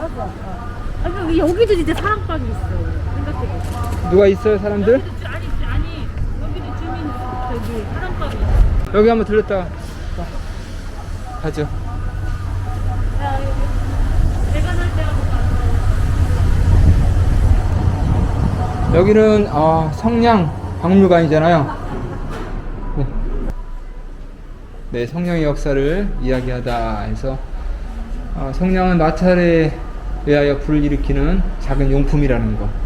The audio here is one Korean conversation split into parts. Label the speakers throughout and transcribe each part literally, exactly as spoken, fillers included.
Speaker 1: 맞아. 아, 여기, 여기도 진짜 사랑방이 있어. 생각해보니까.
Speaker 2: 누가 있어요, 사람들?
Speaker 1: 여기도, 주- 아니, 아니, 여기도 주민, 저기, 사랑방이 있어.
Speaker 2: 여기 한번 들렸다 가죠.
Speaker 1: 야, 여기. 내가 살 때가 더
Speaker 2: 여기는 아, 성냥 박물관이잖아요. 네. 네, 성냥의 역사를 이야기하다 해서 아, 성냥은 마찰에 의하여 불을 일으키는 작은 용품이라는 거.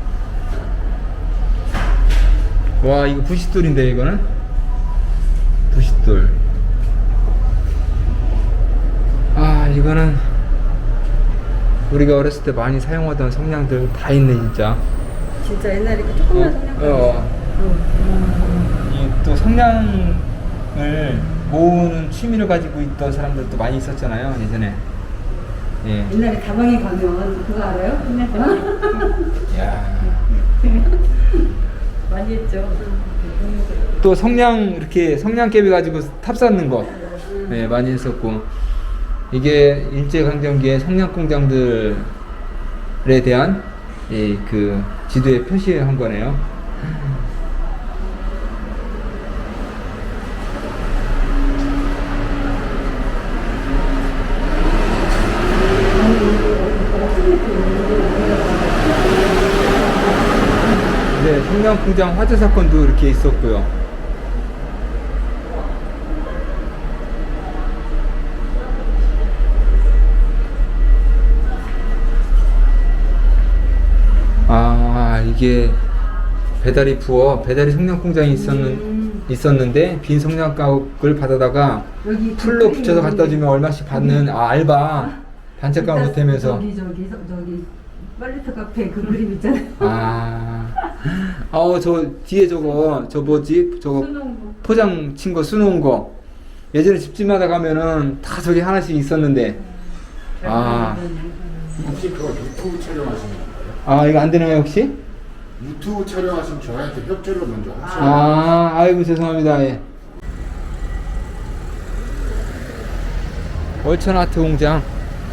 Speaker 2: 와, 이거 부싯돌인데 이거는? 부싯돌. 아, 이거는 우리가 어렸을 때 많이 사용하던 성냥들 다 있네 진짜.
Speaker 3: 진짜 옛날에 그 조그만 성냥.
Speaker 2: 어. 이 또 성냥을 모으는 취미를 가지고 있던 사람들도 많이 있었잖아요 예전에. 예.
Speaker 3: 옛날에 다방에 가면 그거 알아요?
Speaker 2: 야.
Speaker 3: 많이 했죠.
Speaker 2: 또 성냥 이렇게 성냥개비 가지고 탑 쌓는 거, 네, 많이 했었고. 이게 일제강점기의 성냥 공장들에 대한 이 그 지도에 표시한 거네요. 네, 성냥 공장 화재 사건도 이렇게 있었고요. 아, 이게 배달이 부어 배달이 성냥 공장이 있었는
Speaker 3: 음.
Speaker 2: 있었는데 빈 성냥 가옥을 받아다가
Speaker 3: 여기
Speaker 2: 풀로
Speaker 3: 그
Speaker 2: 붙여서 갖다 주면 얼마씩 받는 아, 알바 단체감을 보태면서.
Speaker 3: 저기 저기 저- 저기 빨래터 카페 그 그림 있잖아요.
Speaker 2: 아, 아우 저 뒤에 저거 저 뭐지 저거 포장 친 거 수놓은 거 예전에 집집마다 가면은 다 저기 하나씩 있었는데. 아,
Speaker 4: 혹시 그거 유튜브 촬영하시는 건가요?
Speaker 2: 아 이거 안 되나요 혹시?
Speaker 4: 유튜브 촬영하시면 저희한테 협조를 먼저 하셔야
Speaker 2: 아, 아이고 죄송합니다. 예. 월천 아트 공장.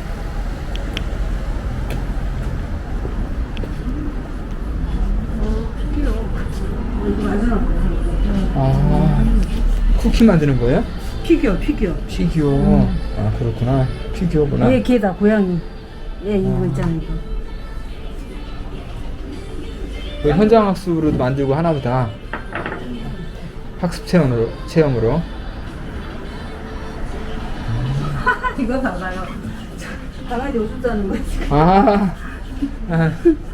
Speaker 2: 아, 쿠키 만드는 거예요?
Speaker 3: 피규어 피규어.
Speaker 2: 피규어. 아, 그렇구나. 피규어구나.
Speaker 3: 얘 걔다 고양이. 얘 이거
Speaker 2: 아.
Speaker 3: 있잖아 이거.
Speaker 2: 그 현장 학습으로도 만들고 하나보다. 학습 체험으로 체험으로.
Speaker 3: 이거 봐봐요. 강아지 오줌 싸는 거 지금.
Speaker 2: 아, 아.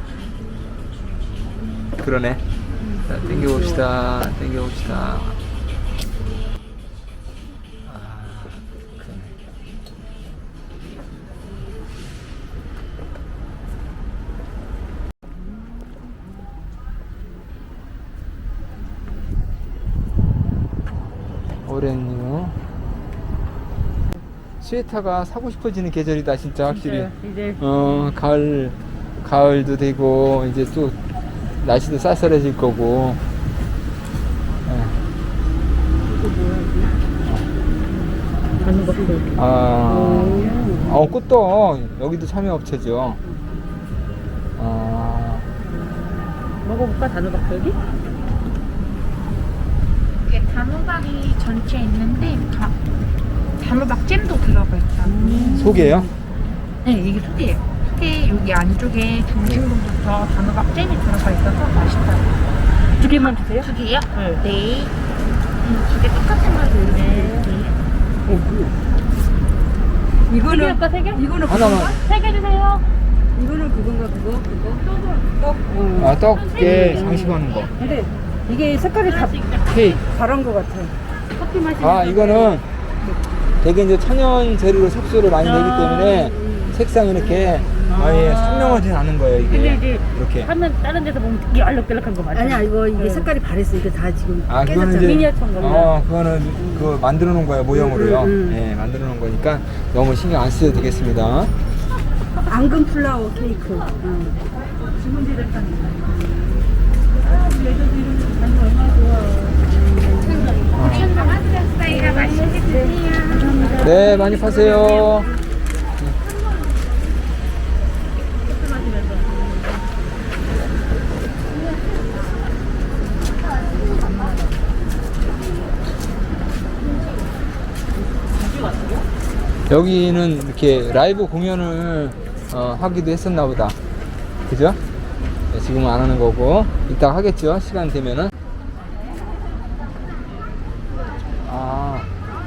Speaker 2: 그러네. 자, 땡겨봅시다. 땡겨봅시다. 아, 그러네. 오렌유. 스웨터가 사고 싶어지는 계절이다 진짜 확실히.
Speaker 3: 이제
Speaker 2: 어, 가을 가을도 되고 이제 또 날씨도 쌀쌀해질 거고. 예.
Speaker 3: 가는 거 보고.
Speaker 2: 아,
Speaker 3: 오.
Speaker 2: 어, 꽃도 여기도 참여업체죠. 아,
Speaker 3: 먹어볼까 단호박 여기?
Speaker 5: 이게 단호박이 전체 있는데 다, 단호박 잼도 들어가 있다.
Speaker 2: 속이에요?
Speaker 5: 네, 이게 속이에요. 속에 여기 안쪽에 중심부터 단호박 잼이 들어가 있어서 맛있다.
Speaker 3: 두 개만 주세요.
Speaker 5: 두 개요? 네. 음, 두 개 똑같은 거 드릴게요.
Speaker 3: 이거는
Speaker 1: 세 개 할까, 세 개?
Speaker 3: 이거는
Speaker 2: 하나만.
Speaker 3: 그건가?
Speaker 1: 세 개 주세요.
Speaker 3: 이거는 그건가 그거 그거 떡. 어.
Speaker 2: 아, 떡에 장식하는 거.
Speaker 3: 근데 이게 색깔이 다
Speaker 2: 케이크.
Speaker 3: 다른 거 같아.
Speaker 1: 커피 마시는
Speaker 2: 아, 이거는 되게 이제 천연 재료로 색소를 많이 내기
Speaker 1: 아.
Speaker 2: 때문에 색상이 이렇게 아예 선명하진 않은 거예요 이게.
Speaker 1: 근데 이제
Speaker 2: 이렇게.
Speaker 1: 하면 다른 데서 보면 되게 알록달록한 거 맞아.
Speaker 3: 아니야 이거 이게
Speaker 1: 네.
Speaker 3: 색깔이 바랬어. 이게 다 지금
Speaker 2: 아, 그거는
Speaker 3: 깨졌잖아.
Speaker 2: 이제
Speaker 1: 미니어처인 거구나.
Speaker 2: 어, 그거는 그 만들어 놓은 거예요 모형으로요.
Speaker 3: 음, 음, 음.
Speaker 2: 예, 만들어 놓은 거니까 너무 신경 안 쓰셔도 되겠습니다.
Speaker 3: 앙금 플라워 케이크. 응.
Speaker 5: 사이가 맛있게 드세요.
Speaker 2: 네, 많이 파세요.
Speaker 1: 집에서.
Speaker 2: 여기는 이렇게 라이브 공연을 어, 하기도 했었나 보다. 그죠? 네, 지금은 안 하는 거고 이따 하겠죠, 시간 되면은. 아,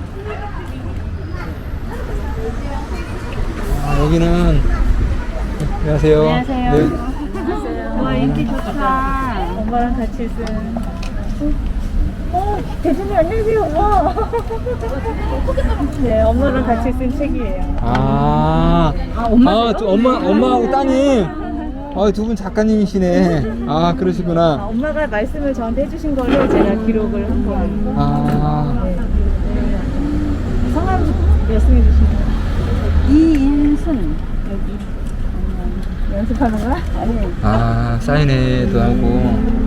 Speaker 2: 아 여기는 안녕하세요.
Speaker 1: 안녕하세요.
Speaker 2: 네.
Speaker 1: 와, 인기 좋다. 엄마랑 같이 쓴. 어, 대준이 안녕하세요, 엄마. 네, 엄마랑 같이 쓴 책이에요.
Speaker 2: 아, 아, 엄마, 엄마, 엄마하고 따님. 아, 두 분 작가님이시네. 아, 그러시구나.
Speaker 1: 엄마가 말씀을 저한테 해주신 거를 제가 기록을 한 거예요.
Speaker 2: 아,
Speaker 1: 네. 네. 성함 말씀해 주시면. 이인순. 여기. 음, 연습하는 거야? 아니.
Speaker 2: 아, 사인회도 하고.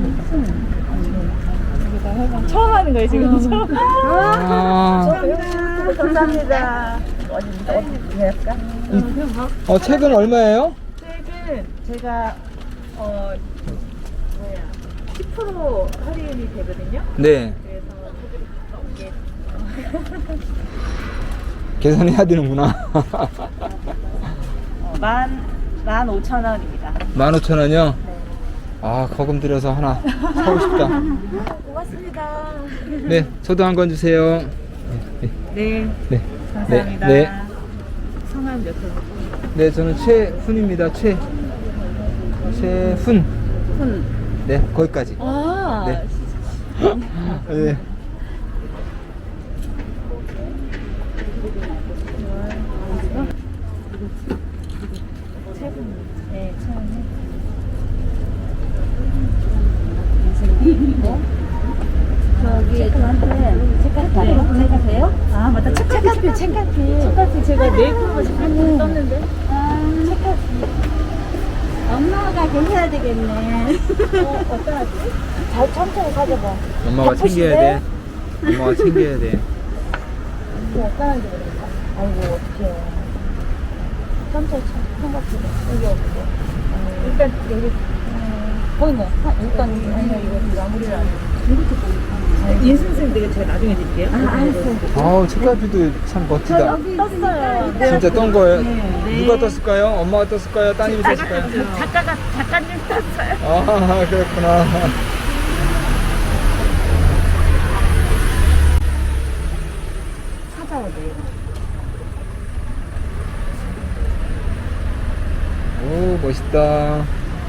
Speaker 1: 여기다 해봐. 처음 하는 거예요, 지금. 처음.
Speaker 2: 아,
Speaker 1: 감사합니다. 어디, 어디 할까?
Speaker 2: 어, 책은 얼마예요?
Speaker 1: 책은 제가, 어, 뭐야, 십 퍼센트 할인이 되거든요.
Speaker 2: 네.
Speaker 1: 그래서 이게
Speaker 2: 계산해야 되는구나.
Speaker 1: 어, 만, 만 오천 원입니다.
Speaker 2: 만 오천 원이요? 아, 거금 들여서 하나 사고 싶다.
Speaker 1: 고맙습니다.
Speaker 2: 네, 저도 한 권 주세요.
Speaker 1: 네,
Speaker 2: 네.
Speaker 1: 감사합니다.
Speaker 2: 네, 네.
Speaker 1: 성함 몇 번?
Speaker 2: 네, 저는 최훈입니다. 최. 최훈.
Speaker 1: 훈.
Speaker 2: 네, 거기까지.
Speaker 1: 아,
Speaker 2: 네. 네.
Speaker 1: 네, 처음에.
Speaker 3: 저기 저한테 책까지 책가세요?
Speaker 1: 아, 맞다. 책카피, 책카피. 책카피 제가 네이버로 책카피 떴는데.
Speaker 3: 아, 책까지. 엄마가 계셔야 되겠네.
Speaker 1: 어, 어떠하지? 잘 천천히 사줘봐.
Speaker 2: 엄마가 챙겨야 돼. 엄마가 챙겨야 돼.
Speaker 1: 이거 어떠하지 그러니까. 아이고, 어떡해. 천천히 생각해봐. 여기 어떻게. 일단 여기, 음, 보이네. 하- 일단, 아니요, 이거 마무리를 안 해. 인순 선생님 내가 제가 나중에 드릴게요.
Speaker 3: 아, 알았어요.
Speaker 2: 아우, 책갈피도 참 멋지다.
Speaker 3: 여기
Speaker 1: 떴어요.
Speaker 2: 진짜 떤 거예요?
Speaker 1: 네.
Speaker 2: 누가 떴을까요? 엄마가 떴을까요? 따님이 떴을까요?
Speaker 1: 작가가, 작가님 떴어요.
Speaker 2: 아, 그렇구나.
Speaker 1: 찾아야 돼요.
Speaker 2: 오, 멋있다.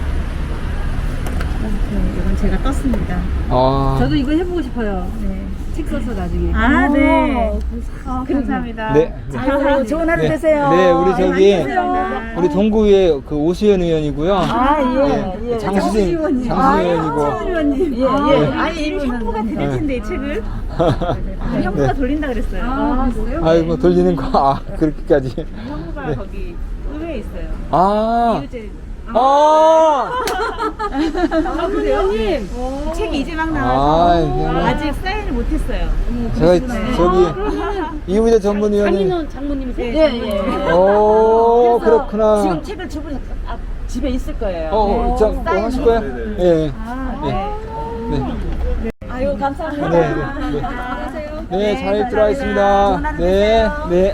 Speaker 1: 이건 제가 떴습니다.
Speaker 2: 아,
Speaker 3: 저도 이거 해보고 싶어요.
Speaker 1: 네.
Speaker 3: 책 써서 나중에.
Speaker 1: 아, 네.
Speaker 3: 아,
Speaker 1: 감사합니다.
Speaker 2: 네.
Speaker 1: 아이고, 좋은 하루
Speaker 2: 네.
Speaker 1: 되세요.
Speaker 2: 네, 우리 저기,
Speaker 1: 감사합니다.
Speaker 2: 우리 동구의 그 오수연 의원이고요.
Speaker 1: 아, 예.
Speaker 2: 네,
Speaker 1: 예.
Speaker 2: 장수진,
Speaker 3: 의원님.
Speaker 2: 장수의원이고.
Speaker 3: 의원님.
Speaker 1: 예, 예.
Speaker 2: 네.
Speaker 1: 아니, 이분 형부가 드릴 텐데, 이 책을.
Speaker 2: 네.
Speaker 1: 형부가 돌린다 그랬어요.
Speaker 3: 아, 그래요?
Speaker 2: 아이고, 돌리는 거, 아, 그렇게까지.
Speaker 1: 형부가
Speaker 2: 네.
Speaker 1: 거기 의회에 있어요.
Speaker 2: 아,
Speaker 1: 이유재.
Speaker 2: 아,
Speaker 1: 아, 의원님. 책이 이제 막
Speaker 2: 아,
Speaker 1: 나와서
Speaker 2: 이게
Speaker 1: 아직 사인을 못했어요.
Speaker 2: 제가 저기, 이우재 전문위원님.
Speaker 1: 장인호 장모님이세요?
Speaker 3: 예, 예.
Speaker 2: 오, 그렇구나.
Speaker 1: 지금 책을 주분 아, 집에 있을 거예요.
Speaker 2: 어, 저, 뭐 하실 거예요? 예.
Speaker 1: 아,
Speaker 2: 네. 네.
Speaker 1: 아유, 감사합니다.
Speaker 2: 네, 네, 네.
Speaker 1: 안녕하세요.
Speaker 2: 네, 잘 읽도록 하겠습니다. 네, 네.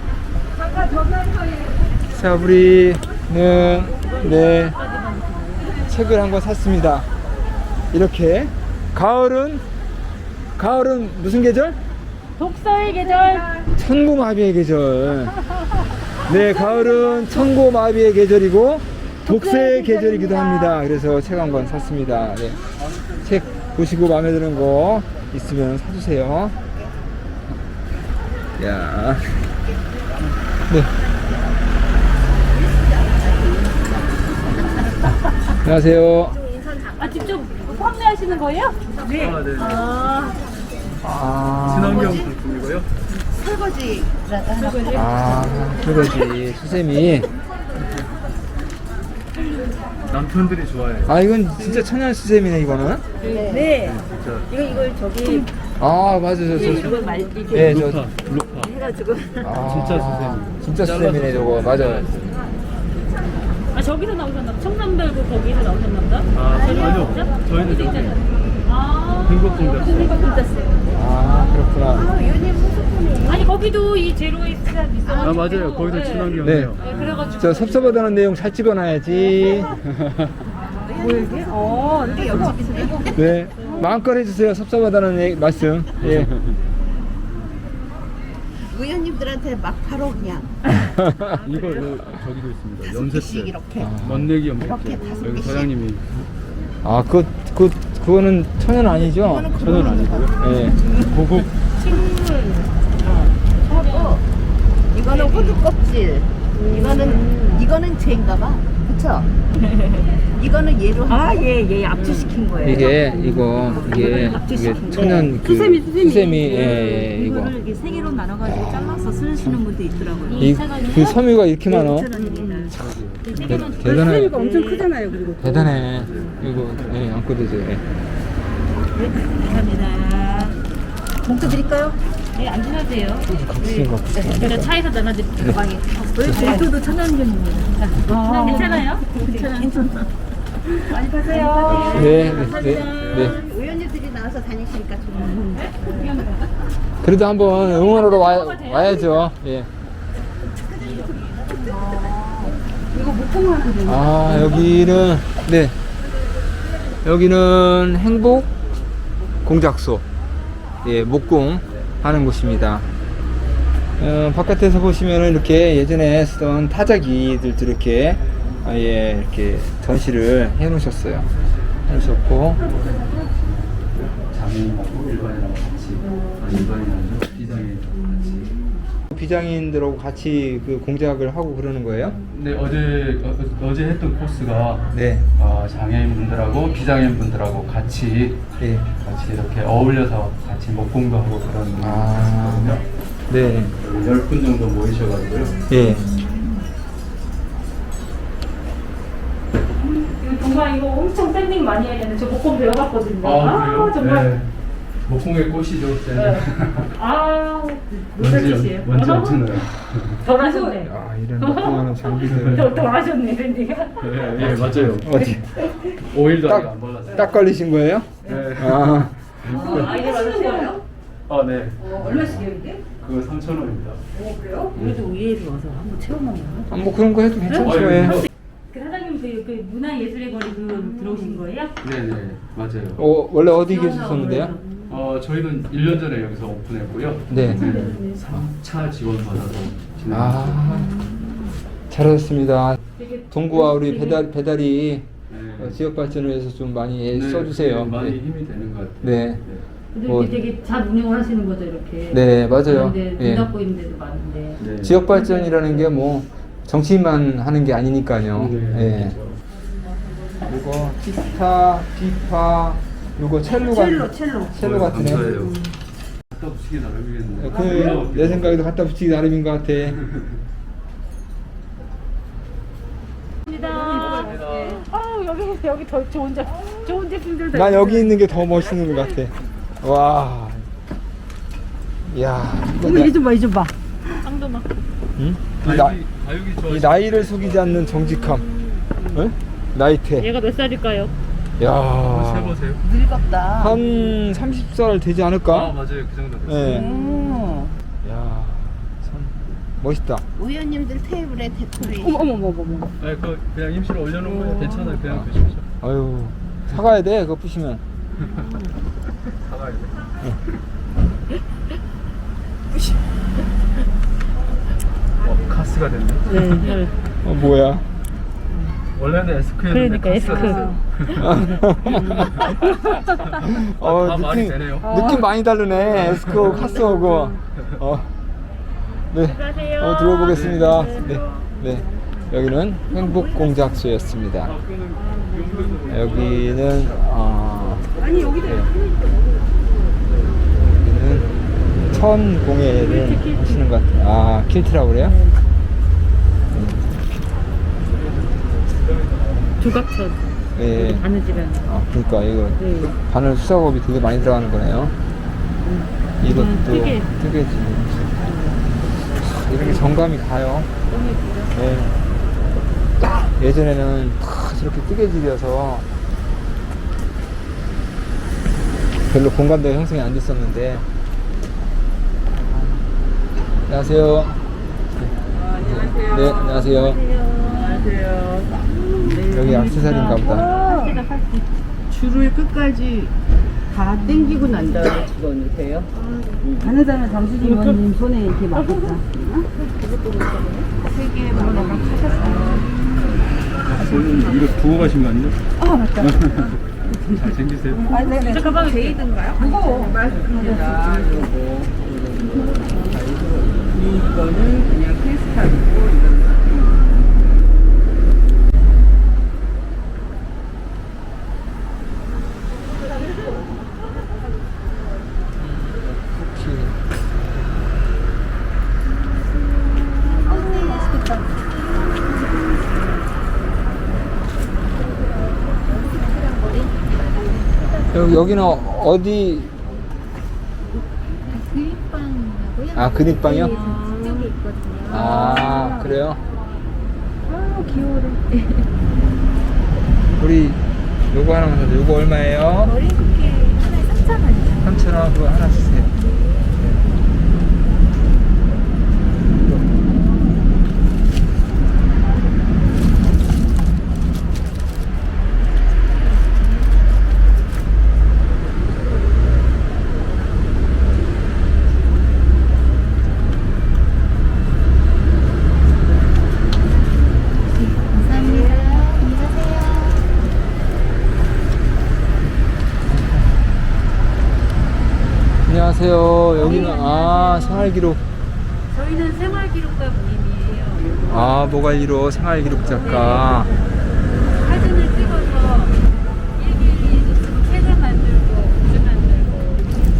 Speaker 2: 자, 우리는, 네, 책을 한 권 샀습니다. 이렇게. 가을은, 가을은 무슨 계절?
Speaker 1: 독서의 계절.
Speaker 2: 천고마비의 계절. 네, 가을은 천고마비의 계절이고 독서의 계절이기도 합니다. 그래서 책 한 권 샀습니다. 네. 책 보시고 마음에 드는 거 있으면 사주세요. 야, 네. 안녕하세요.
Speaker 1: 아, 직접 판매하시는 거예요? 네.
Speaker 6: 아, 네.
Speaker 1: 아,
Speaker 2: 아,
Speaker 6: 친환경 상품이고요.
Speaker 1: 설거지.
Speaker 2: 아, 그거지. 수세미.
Speaker 6: 남편들이 좋아해요.
Speaker 2: 아, 이건 진짜 천연 수세미네, 이거는.
Speaker 1: 네.
Speaker 6: 진짜
Speaker 1: 이거 이걸 저기
Speaker 2: 아, 맞아, 저, 저.
Speaker 1: 이걸 말 이렇게
Speaker 2: 네, 저.
Speaker 6: 루파, 루파.
Speaker 1: 해가지고.
Speaker 2: 아,
Speaker 6: 진짜 수세미.
Speaker 2: 진짜 수세미네, 저거. 맞아.
Speaker 1: 아 저기서 나오셨나? 청남별구 거기서 나오셨나 보다?
Speaker 6: 아,
Speaker 1: 저기요?
Speaker 6: 아니요.
Speaker 1: 진짜?
Speaker 6: 저희는
Speaker 1: 어디
Speaker 6: 저기
Speaker 1: 있잖아요. 아
Speaker 6: 흥국공작소.
Speaker 1: 흥국공작소요.
Speaker 2: 아, 그렇구나.
Speaker 1: 아니 거기도 이 제로웨이스가 있어.
Speaker 6: 아, 맞아요. 거기도
Speaker 2: 네.
Speaker 6: 친환경이에요.
Speaker 1: 네, 그래가지고
Speaker 2: 저 섭섭하다는 내용 잘 찍어놔야지.
Speaker 1: 뭐 이게? 어 이게 옆집이세요?
Speaker 2: 네. 마음껏 해주세요. 섭섭하다는 얘기- 말씀. 예.
Speaker 3: 의원님들한테 막 바로 그냥
Speaker 6: 이거 요- 저기도 있습니다. 염색제.
Speaker 3: 이렇게
Speaker 6: 멋내기 염색제.
Speaker 3: 이렇게 다섯
Speaker 6: 여기
Speaker 3: 개씩.
Speaker 6: 사장님이
Speaker 2: 아, 그, 그, 그거는 천연 아니죠?
Speaker 6: 천연 아니고요.
Speaker 2: 예.
Speaker 6: 고급
Speaker 3: 하고 이거는 호두 껍질 이거는 이거는 쟤인가봐 그쵸? 이거는 얘로 아얘얘 압수시킨 거예요
Speaker 2: 이게, 이거, 이게, 이게 천연 그. 수세미, 수세미. 예, 예, 이거.
Speaker 3: 이거를 이렇게 세 개로 나눠가지고 잘라서 쓰시는 분도 있더라고요
Speaker 2: 이, 그 섬유가 이렇게 많어? 대, 대단해.
Speaker 3: 엄청 크잖아요 그리고
Speaker 2: 대단해. 이거, 예, 안고 드세요. 예.
Speaker 3: 감사합니다 봉투 드릴까요?
Speaker 1: 네, 안 드셔도 돼요.
Speaker 2: 각수인 것 같아.
Speaker 1: 제가 차에서 나눠드릴게요. 가방에.
Speaker 3: 봉투도 천연견입니다
Speaker 1: 아, 괜찮아요? 괜찮아. 많이 파세요.
Speaker 2: 네, 네, 네, 네.
Speaker 3: 의원님들이 나와서 다니시니까 좋은데
Speaker 2: 그래도 한번 응원하러 와, 와야죠. 예. 아, 여기는, 네. 여기는 행복 공작소. 예, 목공 하는 곳입니다. 어, 바깥에서 보시면은 이렇게 예전에 쓰던 타자기들도 이렇게, 아, 예, 이렇게 전시를 해 놓으셨어요. 해 놓으셨고,
Speaker 6: 장애인하고 일반인하고 같이 아, 일반인하고 비장애인하고 같이.
Speaker 2: 비장애인들하고 같이 그 공작을 하고 그러는 거예요?
Speaker 6: 네, 어제 어, 어제 했던 코스가
Speaker 2: 네.
Speaker 6: 아, 장애인분들하고 비장애인분들하고 같이
Speaker 2: 예.
Speaker 6: 같이 이렇게 어울려서 같이 목공도 하고 그런
Speaker 2: 아.
Speaker 6: 거거든요.
Speaker 2: 네.
Speaker 6: 열 분 정도 모이셔가지고요.
Speaker 2: 예.
Speaker 1: 이거 정말 이거 엄청 샌딩 많이 해야 되는데 저 목공 배워봤거든요.
Speaker 6: 아, 그래요?
Speaker 1: 정말.
Speaker 6: 네. 목공의 꽃이죠.
Speaker 1: 네. 아, 무슨
Speaker 6: 먼지,
Speaker 1: 짓이에요?
Speaker 6: 먼지 엄청 나요.
Speaker 1: 덜 하셨네.
Speaker 2: 아, 이런 목공하는 장비들.
Speaker 1: 덜, 덜 하셨네, 샌딩가.
Speaker 6: 네, 네, 맞아요.
Speaker 2: 어디?
Speaker 6: 오일도 아직
Speaker 2: 딱,
Speaker 6: 안 발랐어요.
Speaker 2: 딱 걸리신 거예요?
Speaker 6: 네.
Speaker 2: 아,
Speaker 1: 아, 이게 맞으신 거예요?
Speaker 6: 아, 네.
Speaker 1: 얼마씩이에요, 이게?
Speaker 6: 그거 삼천 원입니다.
Speaker 1: 어, 그래요?
Speaker 3: 우리도 의회로 와서 한번 체험하면
Speaker 2: 아, 뭐 그런 거 해도 괜찮죠.
Speaker 6: 아,
Speaker 2: 예.
Speaker 1: 그 사장님 그, 그 문화예술의 거리 그 들어오신 거예요?
Speaker 6: 네, 네, 맞아요.
Speaker 2: 어, 원래 어디 계셨었는데요?
Speaker 6: 어, 저희는 일 년 전에 여기서 오픈했고요.
Speaker 2: 네.
Speaker 6: 삼 차 지원 받아서 진행.
Speaker 2: 아, 잘하셨습니다. 동구와 우리 배달, 배달이
Speaker 6: 네.
Speaker 2: 어, 지역 발전을 위해서 좀 많이
Speaker 6: 네,
Speaker 2: 써주세요.
Speaker 6: 네, 많이
Speaker 2: 네.
Speaker 6: 힘이 되는 것 같아요.
Speaker 2: 네.
Speaker 1: 근데
Speaker 2: 뭐-
Speaker 1: 이렇게 되게 잘 운영을 하시는 거죠, 이렇게.
Speaker 2: 네, 맞아요.
Speaker 1: 근데
Speaker 2: 예.
Speaker 1: 문 닫고 있는 데도 많은데.
Speaker 6: 네.
Speaker 2: 지역 발전이라는 게 뭐 정치인만 하는 게 아니니까요.
Speaker 6: 네,
Speaker 2: 예. 그리고 기타, 기파, 요거 첼로가
Speaker 3: 첼로 첼로
Speaker 2: 첼로 같은 애.
Speaker 6: 감사해요. 갖다 붙이기 나름이겠는데.
Speaker 2: 그 내 생각에도 갖다 붙이기 나름인 것 같아.
Speaker 1: 아 여기 여기 더 좋은 제 좋은 제품들 더
Speaker 2: 난 여기
Speaker 1: 있어요.
Speaker 2: 있는 게 더 멋있는 것 같아. 와. 야.
Speaker 3: 어머 이좀 봐, 이 좀 봐.
Speaker 1: 쌍도막.
Speaker 2: 응? 이,
Speaker 6: 가육이,
Speaker 2: 나,
Speaker 6: 가육이
Speaker 2: 이
Speaker 6: 좋아.
Speaker 2: 나이를 속이지 않는 정직함. 응? 나이테.
Speaker 1: 얘가 몇 살일까요?
Speaker 2: 야.
Speaker 6: 세보세요.
Speaker 3: 늙었다.
Speaker 2: 한 서른 살 되지
Speaker 6: 아,
Speaker 2: 않을까?
Speaker 6: 맞아요. 그 정도 됐어요.
Speaker 2: 예.
Speaker 3: 음.
Speaker 2: 야. 참 멋있다.
Speaker 3: 의원님들 테이블에 데코레이션.
Speaker 1: 어머 어머 어머 어머.
Speaker 6: 아니, 그 그냥 임시로 올려놓은 거예요. 괜찮아요. 그냥 드십시오.
Speaker 2: 아유. 사가야 돼. 그거 부시면.
Speaker 6: 사가야 돼. 어, 카스가 됐네.
Speaker 1: 네.
Speaker 2: 어 뭐야?
Speaker 6: 원래는 에스크였는데
Speaker 1: 그러니까 에스크.
Speaker 2: 어,
Speaker 6: 다 말이
Speaker 2: 느낌,
Speaker 6: 되네요.
Speaker 2: 느낌 많이 다르네. 에스코, 카스오고. 어. 네.
Speaker 1: 수고하세요.
Speaker 2: 어, 들어보겠습니다. 네. 네. 여기는 행복공작소였습니다.
Speaker 6: 아, 그거는
Speaker 2: 여기는, 아.
Speaker 3: 아니 여기도
Speaker 2: 네. 여기는 천공예를 하시는 것 같아요. 아, 킬트라고 그래요?
Speaker 1: 조각천.
Speaker 2: 네.
Speaker 1: 바느질은.
Speaker 2: 아, 그러니까 이거
Speaker 1: 네.
Speaker 2: 바늘 수작업이 되게 많이 들어가는 거네요. 이것도
Speaker 1: 음, 뜨개.
Speaker 2: 뜨개지. 이런 게 정감이 가요. 네. 예전에는 다 저렇게 뜨개질이어서 별로 공감대가 형성이 안 됐었는데. 안녕하세요.
Speaker 3: 안녕하세요.
Speaker 2: 네, 안녕하세요.
Speaker 3: 안녕하세요.
Speaker 2: 여기 액세서리인가 보다.
Speaker 3: 줄을 끝까지 다 당기고 난 다음에 집어넣으세요. 가는 사람 장수진 의원님 손에 이렇게 맡겼다.
Speaker 5: 세개 물어넣으면 하셨어요.
Speaker 6: 오늘 이거 두고 가신 거 아니에요?
Speaker 5: 아 맞다.
Speaker 6: 잘 챙기세요.
Speaker 5: 아 네네. 저 가방 제이든가요? 무거워.
Speaker 3: 자, 요거. 이거는 그냥 크리스탈이고, 이건
Speaker 2: 여기, 여기는 어디?
Speaker 7: 그립빵이라고요?
Speaker 2: 아, 그립빵이요?
Speaker 7: 네, 저쪽에 있거든요.
Speaker 2: 아, 그래요?
Speaker 7: 아, 귀여워라.
Speaker 2: 우리 요거 하나만 사줘. 요거 얼마예요?
Speaker 7: 머리 쿠키 하나에 삼천 원이요.
Speaker 2: 삼천 원 그거 하나 주세요.
Speaker 7: 감사합니다. 안녕하세요.
Speaker 2: 안녕하세요. 여기는 아 생활기록.
Speaker 3: 저희는 생활기록가 모임이에요.
Speaker 2: 아 모갈리로 생활기록 작가.
Speaker 3: 사진을 찍어서 일일이 책을 만들고 굿즈 만들고.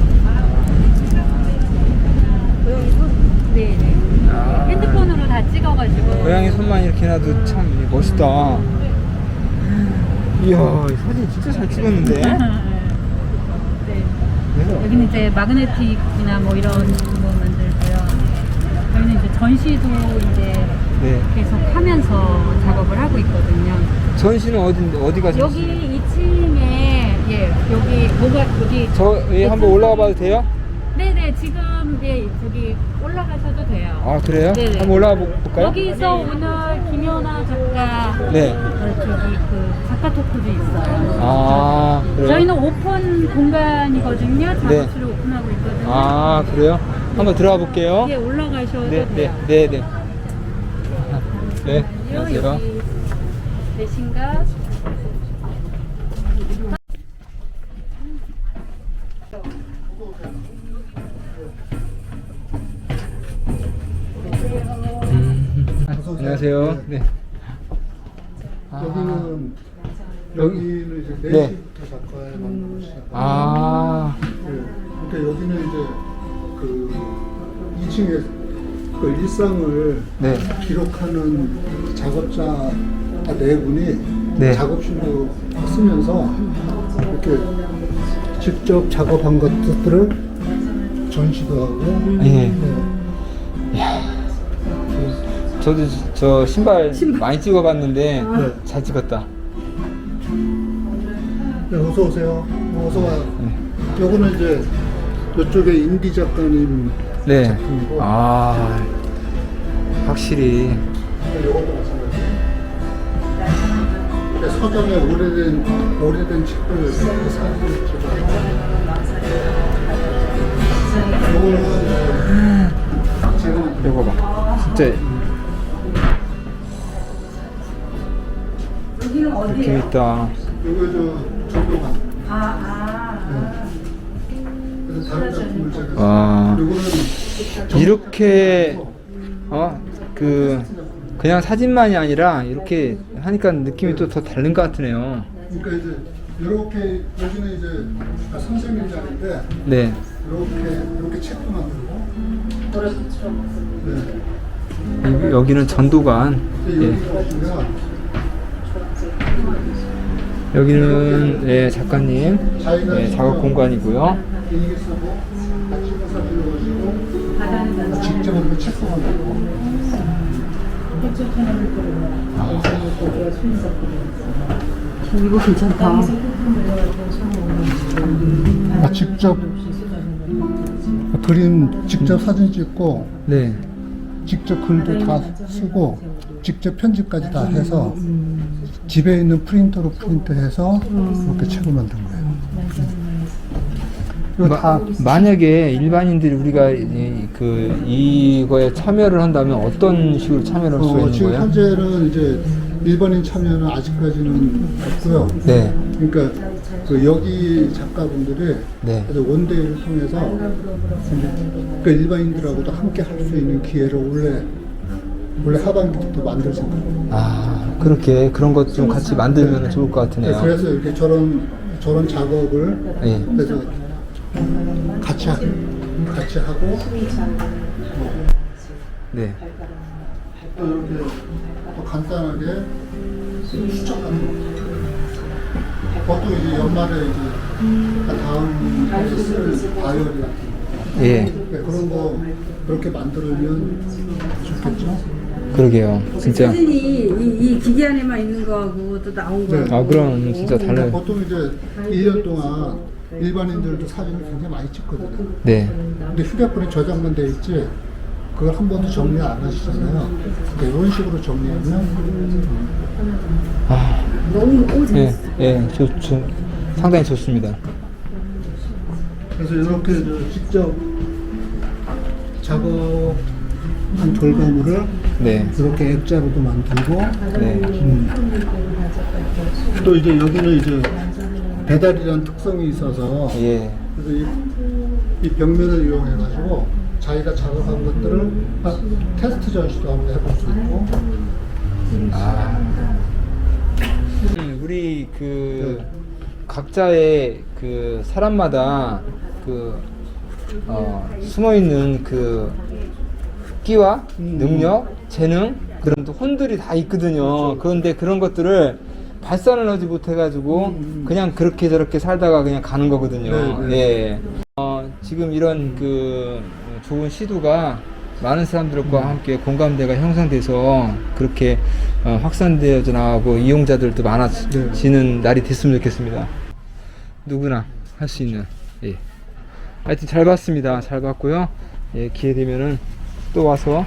Speaker 3: 고양이 손? 네네.
Speaker 2: 아,
Speaker 3: 핸드폰으로 다 찍어가지고.
Speaker 2: 고양이 손만 이렇게 놔도 참 멋있다. 이야 이 사진 진짜 잘 찍었는데.
Speaker 3: 네.
Speaker 2: 네.
Speaker 3: 여기는 이제 마그네틱이나 뭐 이런 거 만들고요. 저희는 이제 전시도 이제
Speaker 2: 네.
Speaker 3: 계속 하면서 작업을 하고 있거든요.
Speaker 2: 전시는 어디 어디가 전시?
Speaker 3: 여기 이 층에 예 여기 뭐가 여기
Speaker 2: 저 예, 한번 올라가 봐도 돼요?
Speaker 3: 네네 지금 예 저기 올라가셔도 돼요.
Speaker 2: 아 그래요?
Speaker 3: 네네.
Speaker 2: 한번 올라가 보- 볼까요?
Speaker 3: 여기서 오늘 김연아 작가
Speaker 2: 네.
Speaker 3: 어, 저기 그 작가 토크도 있어요.
Speaker 2: 아 그래요?
Speaker 3: 저희는 오픈 공간이거든요.
Speaker 2: 네.
Speaker 3: 작업실을 오픈하고 있거든요.
Speaker 2: 아 그래요? 한번 들어가 볼게요.
Speaker 3: 예 올라가셔도
Speaker 2: 네, 네,
Speaker 3: 돼요.
Speaker 2: 네, 네. 네, 안녕하세요.
Speaker 3: 여기 되신가?
Speaker 2: 음, 안녕하세요. 네. 아,
Speaker 4: 여기는
Speaker 2: 여기-
Speaker 4: 여기는 이제
Speaker 2: 네.
Speaker 4: 네시부터 작가에 만든 곳이야.
Speaker 2: 아,
Speaker 4: 네. 그러니까 여기는 이제 그 이 층에 그 일상을
Speaker 2: 네.
Speaker 4: 기록하는 작업자 네 분이
Speaker 2: 네.
Speaker 4: 작업실로 쓰면서 이렇게 직접 작업한 것들을 전시도 하고.
Speaker 2: 예.
Speaker 4: 네.
Speaker 2: 저도 저 신발, 많이 찍어봤는데
Speaker 4: 네.
Speaker 2: 잘 찍었다.
Speaker 4: 네, 어서 오세요. 어서 와요.
Speaker 2: 네.
Speaker 4: 요거는 이제 이쪽에 임기 작가님
Speaker 2: 네.
Speaker 4: 작품이고.
Speaker 2: 아, 확실히.
Speaker 4: 요것도 마찬가지예요. 근데 서점에 오래된 오래된 책들 사진을 찍어요. 요거는 제가
Speaker 2: 이거 봐. 진짜 느낌 있다.
Speaker 4: 요거 저 조교관. 아, 아. 그래서 다른 작품을 제가
Speaker 2: 와.
Speaker 4: 요거는
Speaker 2: 이렇게 어 그 그냥 사진만이 아니라 이렇게 하니까 느낌이 또 더 다른 것 같으네요.
Speaker 4: 그러니까 이제 이렇게 여기는 이제 아, 선생님 자리인데
Speaker 2: 네.
Speaker 4: 이렇게 이렇게 책도 만들고. 네.
Speaker 2: 이- 여기는 전도관.
Speaker 4: 근데
Speaker 2: 예.
Speaker 4: 여기 보시면
Speaker 2: 여기는 예, 작가님 예, 작업 공간이고요.
Speaker 4: 분위기 쓰고 찍어서 들어가시고 직접 한번 책도 만들고.
Speaker 3: 이거 괜찮다.
Speaker 4: 아, 직접 그림 직접 사진 찍고
Speaker 2: 네.
Speaker 4: 직접 글도 다 쓰고 직접 편집까지 다 해서 집에 있는 프린터로 프린트해서 이렇게 책을 만든 거예요. 이거
Speaker 2: 마,
Speaker 4: 다
Speaker 2: 만약에 일반인들이 우리가 이, 그 이거에 참여를 한다면 어떤 식으로 참여를 할 수가
Speaker 4: 어,
Speaker 2: 있는
Speaker 4: 지금
Speaker 2: 거예요?
Speaker 4: 현재는 이제 일반인 참여는 아직까지는 없고요.
Speaker 2: 네.
Speaker 4: 그러니까 그 여기 작가분들이
Speaker 2: 네.
Speaker 4: 그래서 원데이를 통해서 그 일반인들하고도 함께 할 수 있는 기회를 원래 원래 하반기부터 만들 생각입니다.
Speaker 2: 아, 그렇게 그런 것 좀 같이 만들면 좋을 것 같으네요.
Speaker 4: 그래서 이렇게 저런 저런 작업을
Speaker 2: 네.
Speaker 4: 그래서 같이 하, 같이 하고
Speaker 2: 네.
Speaker 4: 또 이렇게 또 간단하게 수첩하는 거. 보통 이제 연말에 이제 다음 해에 쓸 다이어리 같은 거.
Speaker 2: 예.
Speaker 4: 네, 그런 거 그렇게 만들면 좋겠죠?
Speaker 2: 그러게요. 진짜.
Speaker 3: 사진이 이, 이 기계 안에만 있는 거하고 또 나온
Speaker 4: 네.
Speaker 3: 거.
Speaker 2: 아, 그럼 진짜
Speaker 4: 그러니까
Speaker 2: 달라요.
Speaker 4: 보통 이제 일 년 동안 일반인들도 사진을 굉장히 많이 찍거든요.
Speaker 2: 네.
Speaker 4: 근데 휴대폰에 저장만 돼 있지 그걸 한 번도 정리 안 하시잖아요. 그러니까 이런 식으로 정리하면
Speaker 2: 아,
Speaker 3: 너무 오
Speaker 2: 예, 예, 좋, 좋, 상당히 좋습니다.
Speaker 4: 그래서 이렇게 저 직접 작업한 결과물을
Speaker 2: 네.
Speaker 4: 이렇게 액자로도 만들고
Speaker 2: 네.
Speaker 4: 음. 또 이제 여기는 이제 배달이라는 특성이 있어서
Speaker 2: 예.
Speaker 4: 그래서 이, 이 벽면을 이용해 가지고 자기가 작업한 것들을 아, 테스트 전시도 한번 해볼 수 있고
Speaker 2: 아. 음, 우리 그 각자의 그 사람마다 그 어, 숨어 있는 그 끼와 능력, 재능 그런 또 혼들이 다 있거든요. 그런데 그런 것들을 발산을 하지 못해가지고 그냥 그렇게 저렇게 살다가 그냥 가는 거거든요.
Speaker 4: 네,
Speaker 2: 예. 어, 지금 이런 그 좋은 시도가 많은 사람들과 함께 공감대가 형성돼서 그렇게 어, 확산되어 나가고 이용자들도 많아지는 날이 됐으면 좋겠습니다. 누구나 할 수 있는. 예. 하여튼 잘 봤습니다. 잘 봤고요. 예, 기회 되면은 또 와서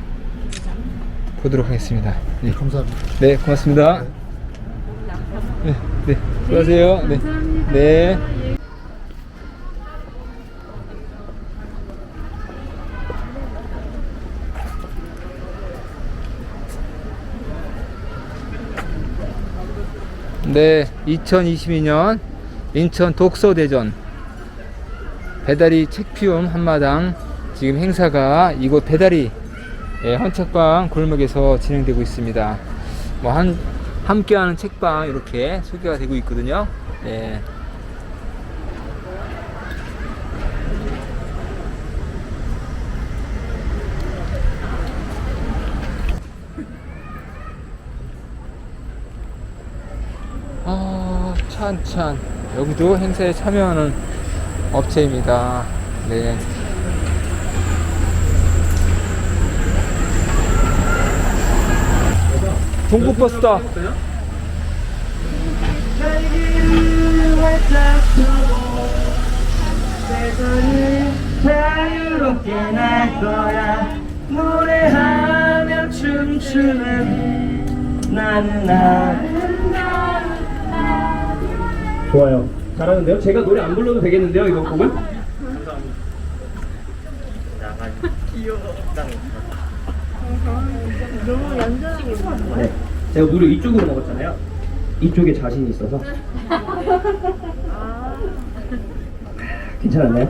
Speaker 2: 보도록 하겠습니다. 예.
Speaker 4: 감사합니다.
Speaker 2: 네, 고맙습니다. 네, 네, 수고하세요. 네, 네. 네, 이천이십이 년 인천 독서대전 배다리 책피움 한마당 지금 행사가 이곳 배다리 예, 헌책방 골목에서 진행되고 있습니다. 뭐 한 함께하는 책방 이렇게 소개가 되고 있거든요. 예. 아, 찬찬 여기도 행사에 참여하는 업체입니다. 네. 동부버스다.
Speaker 8: 자유롭게 날 거야 노래하며 춤추는 나는 나 좋아요 잘하는데요? 제가 노래 안 불러도 되겠는데요 이번 곡은?
Speaker 7: 너무 얌전하고
Speaker 8: 네 제가 노래 이쪽으로 먹었잖아요 이쪽에 자신이 있어서 괜찮았나요?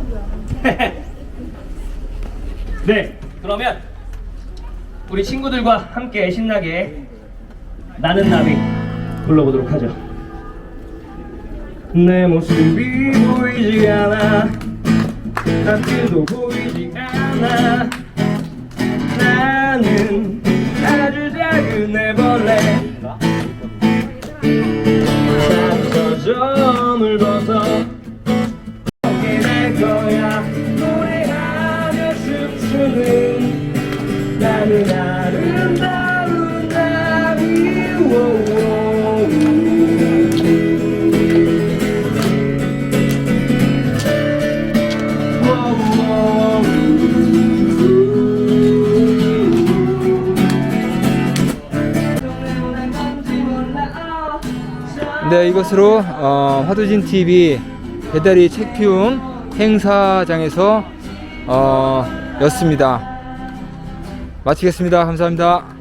Speaker 8: 네 그러면 우리 친구들과 함께 신나게 나는 나비 불러보도록 하죠 내 모습이 보이지 않아 앞길도 보이지 않아 나는 아주 작은 애벌레 서점을 벗어 오게 될 거야 노래하며 춤추는 나는 아름다운
Speaker 2: 네, 이것으로 어, 화두진 티비 배달이 책피움 행사장에서 어, 였습니다. 마치겠습니다. 감사합니다.